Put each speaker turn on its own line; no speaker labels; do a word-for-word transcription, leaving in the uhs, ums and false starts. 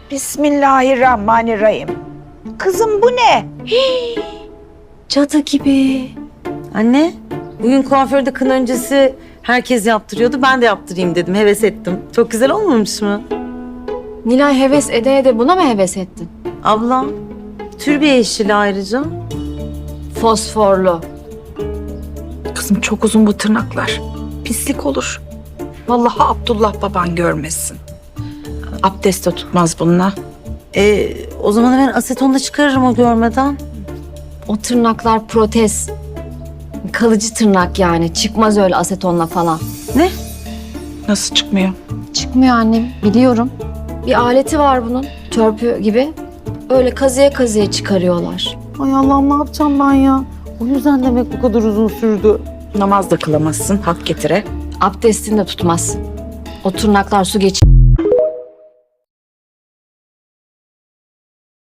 Bismillahirrahmanirrahim. Kızım bu ne?
Hii, cadı gibi. Anne, bugün kuaförde kına öncesi herkes yaptırıyordu. Ben de yaptırayım dedim, heves ettim. Çok güzel olmamış mı?
Nilay heves ede ede buna mı heves ettin?
Ablam, türbe yeşili ayrıca.
Fosforlu.
Kızım çok uzun bu tırnaklar. Pislik olur. Vallahi Abdullah baban görmesin. Abdest de tutmaz bununla.
Ee, o zaman hemen asetonda çıkarırım o görmeden.
O tırnaklar protez. Kalıcı tırnak yani. Çıkmaz öyle asetonla falan.
Ne?
Nasıl çıkmıyor?
Çıkmıyor annem. Biliyorum. Bir aleti var bunun. Törpü gibi. Öyle kazıya kazıya çıkarıyorlar.
Ay Allah'ım ne yapacağım ben ya? O yüzden demek bu kadar uzun sürdü.
Namaz da kılamazsın hak getire.
Abdestini de tutmaz. O tırnaklar su geçir.